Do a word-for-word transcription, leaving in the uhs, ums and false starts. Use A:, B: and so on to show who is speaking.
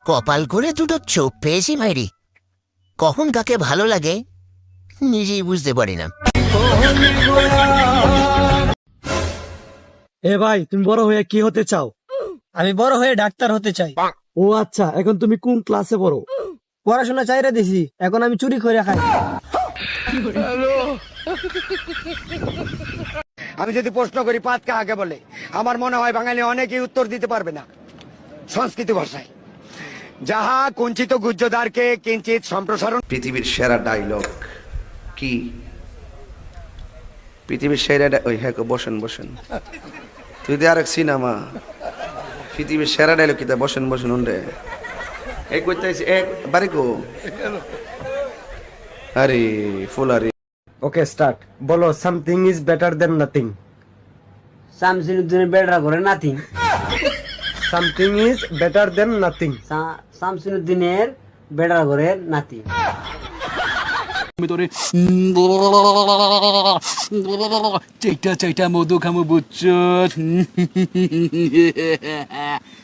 A: কপাল করে দুটো চোখ পেয়েছি ভাইরি, কখন কাকে ভালো লাগে নিজেই বুঝতে পারি না।
B: এ ভাই, তুমি বড় হয়ে কি হতে চাও?
C: আমি বড় হয়ে ডাক্তার হতে চাই।
B: ও আচ্ছা, এখন তুমি কোন ক্লাসে পড়ো?
C: পড়াশোনা চাইরে দিছি, এখন আমি চুরি করে খাই।
D: আমি যদি প্রশ্ন করি পাত কাকে বলে, আমার মনে হয় বাঙালি অনেকেই উত্তর দিতে পারবে না সংস্কৃত ভাষায়। যাহা কুঞ্চিত গুজ্জদারকে কিঞ্চিত সম্প্রসারণ।
E: পৃথিবীর সেরা ডায়লগ কি? পৃথিবীর সেরা ডা- ওই হ্যাঁ বসেন বসেন তুই দিয়ে আরেক সিনেমা। পৃথিবীর সেরা ডায়লগ কি? তা বসেন বসেন উন্ডে এক করতেছি এক বাড়ি কো। আরে ফুল আরে
D: ওকে স্টার্ট। বলো something is better than nothing.
C: শামসিনুদ্দিনের বেড়া করে nothing.
D: Something is better than nothing.
C: শামসিনুদ্দিনের বেড়া করে নাতি।
F: আমি তোরে চাইটা চাইটা মধু খামু বুঝছ।